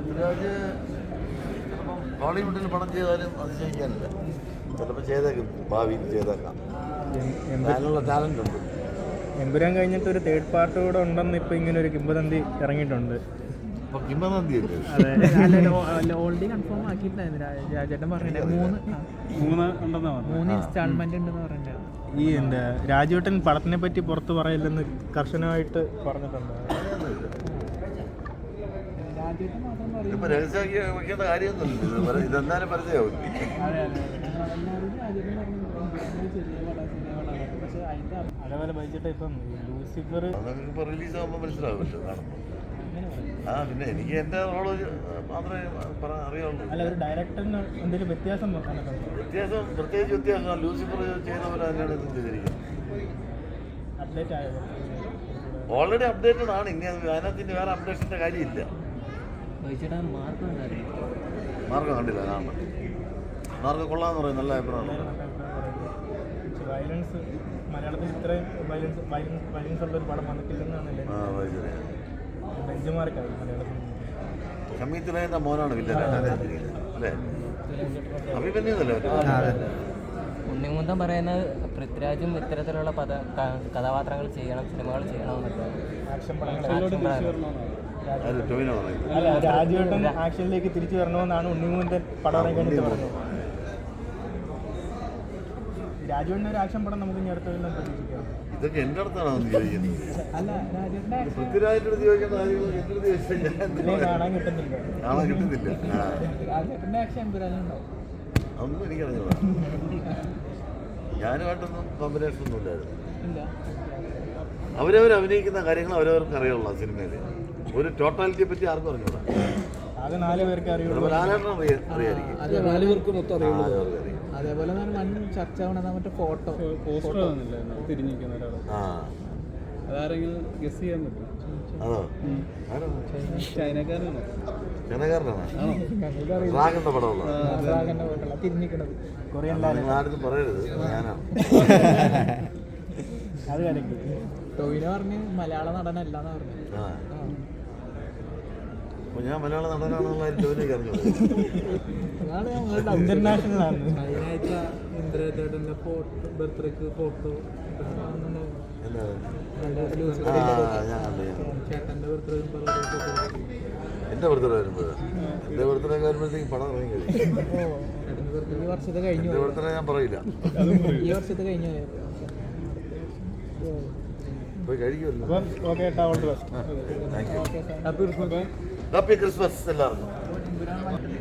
പൃഥ്വിരാജ് ചിലപ്പം ഹോളിവുഡിൽ പടം ചെയ്താലും അതിശയിക്കാനില്ല. ചിലപ്പോൾ ചെയ്തേക്കും, ഭാവിയിൽ ചെയ്തേക്കാം. അതിനുള്ള ടാലൻ്റ് ഉണ്ട്. എമ്പുരാൻ കഴിഞ്ഞിട്ട് ഒരു തേർഡ് പാർട്ട് കൂടെ ഉണ്ടെന്ന് ഇപ്പം ഇങ്ങനെ ഒരു കിംവദന്തി ഇറങ്ങിയിട്ടുണ്ട്. അപ്പോൾ കിംവദന്തി അല്ലേ? ഓൾറെഡി കൺഫേം ആക്കിയിട്ടുണ്ടായിരുന്നു. രാജേട്ടൻ പറഞ്ഞിട്ട് മൂന്ന് ഇൻസ്റ്റാൾമെന്റ് ഉണ്ടെന്ന് പറഞ്ഞിട്ടുണ്ടായിരുന്നു. ഈ എന്താ രാജുവേട്ടൻ പടത്തിനെ പറ്റി പുറത്ത് പറയില്ലെന്ന് കർശനമായിട്ട് പറഞ്ഞിട്ടുണ്ട്. രാജേട്ടൻ മാത്രം പറയും. ഇപ്പൊ രഹസ്യമാക്കി വെക്കേണ്ട കാര്യമൊന്നുമില്ല. ഇതെന്നാലും പരസ്യമാവും. അതേപോലെ ബൈജേട്ട ഇപ്പം ലൂസിഫർ ഇപ്പൊ റിലീസ് ആകുമ്പോൾ മനസ്സിലാവുമല്ലോ കാണുമ്പോൾ. പിന്നെ എനിക്ക് എൻ്റെ റോള് മാത്രമേ അറിയാവുള്ളൂ. അല്ല, ഒരു ഡയറക്ടറിന് എന്തെങ്കിലും വ്യത്യാസം പ്രത്യേകിച്ച് വ്യത്യാസം ലൂസിഫർ ചെയ്ത പോലെ തന്നെയാണ് ഇതും ചെയ്തിരിക്കുന്നത്. അപ്ഡേറ്റ് ആയത് ഓൾറെഡി അപ്ഡേറ്റഡ് ആണ്. ഇനി അതിനകത്ത് വേറെ അപ്ഡേഷൻ്റെ കാര്യമില്ല. മാർഗം കണ്ടില്ല, കാണണം. മാർഗം കൊള്ളാന്ന് പറയും, നല്ല അഭിപ്രായമാണ്. വയലൻസ് മലയാളത്തിൽ ഇത്രയും വയലൻസ് ഉള്ളൊരു പടം വന്നിട്ടില്ലെന്നാണല്ലേ ബെഞ്ചുമാർക്കായി മലയാളത്തിൽ. ഷമീത്തുലയുടെ മോനാണ് വില്ലനായിട്ട് അല്ലേ? അഭിമന്യുന്നല്ലേ? ഉണ്ണിമുന്തൻ പറയുന്നത് പൃഥ്വിരാജും ഇത്തരത്തിലുള്ള കഥാപാത്രങ്ങൾ ചെയ്യണം, സിനിമകൾ ചെയ്യണമെന്നൊക്കെ. അല്ല, രാജുവേട്ടൻ ആക്ഷനിലേക്ക് തിരിച്ചു വരണമെന്നാണ് ഉണ്ണിമുന്തൻ പടം ഇറങ്ങി പറഞ്ഞത്. രാജുവേട്ടൻ ഒരു ആക്ഷൻ പടം നമുക്ക് ഇനി അടുത്ത കൊല്ലം പ്രതീക്ഷിക്കാം. ഇതൊക്കെ എൻ്റെ അടുത്താണോ ചോദിക്കുന്നത്? അല്ല, രാജേട്ടൻ്റെ പൃഥ്വിരാജിൻ്റെ അടുത്ത് ചോദിക്കേണ്ട കാര്യങ്ങൾ എൻ്റെ അടുത്ത് ചോദിച്ചാൽ കാണാൻ കിട്ടുന്നില്ല. രാജേട്ടൻ്റെ ആക്ഷൻ എമ്പുരാനുണ്ടാവും. അതൊന്നും എനിക്കറിഞ്ഞൂടാ. ഞാനുമായിട്ടൊന്നും കോമ്പിനേഷൻ ഒന്നും ഇല്ലായിരുന്നു. ഇല്ല, അവരവർ അഭിനയിക്കുന്ന കാര്യങ്ങൾ അവരവർക്ക് അറിയുള്ളൂ. സിനിമയിൽ ഒരു ടോട്ടാലിറ്റിയെ പറ്റി ആർക്കും അറിഞ്ഞൂടാ. ആകെ 4 പേർക്ക് അറിയുള്ളൂ. ലാലേട്ടനും അറിയായിരിക്കും. അതേപോലെ വൻ ചർച്ച ആവണത് മറ്റേ ഫോട്ടോ തിരിഞ്ഞിരിക്കുന്ന ഒരാൾ. അതാരെങ്കിലും ഗസ് ചെയ്യാൻ പറ്റും. അതോ? ചൈനക്കാരനാണോ? ചൈനക്കാരനാണോ? ഡ്രാഗന്റെ പടമുള്ള തിരിഞ്ഞിക്കണത് ആരും പറയരുത്, ഞാനാണ്. അത് കലക്കി. ടോവിനോ പറഞ്ഞ് മലയാള നടനല്ലാന്ന് പറഞ്ഞു. അപ്പൊ ഞാൻ മലയാള നടനാണെന്നുള്ള ടോവിനോയ്ക്ക് അറിഞ്ഞത്. ഇന്റർനാഷണൽ ആണ്. കഴിഞ്ഞാഴ്ച ഇന്ദ്രചേട്ടൻ്റെ ബർത്ത്ഡേക്ക് ഫോട്ടോ ചേട്ടൻ്റെ ബർത്ത്ഡേ എന്റെ ബർത്ത്ഡേ വരുമ്പോൾ എന്റെ ബർത്ത്ഡേ വരുമ്പോഴത്തേക്ക് പടം ഇറങ്ങി കഴിയും. ഈ വർഷത്തെ കഴിഞ്ഞു. എന്റെ ബർത്ത്ഡേ ഞാൻ പറയില്ല. ഈ വർഷത്തെ കഴിഞ്ഞു പോയി കഴിക്കുമല്ലോ. Okay, thank you. Happy Christmas എല്ലാവർക്കും.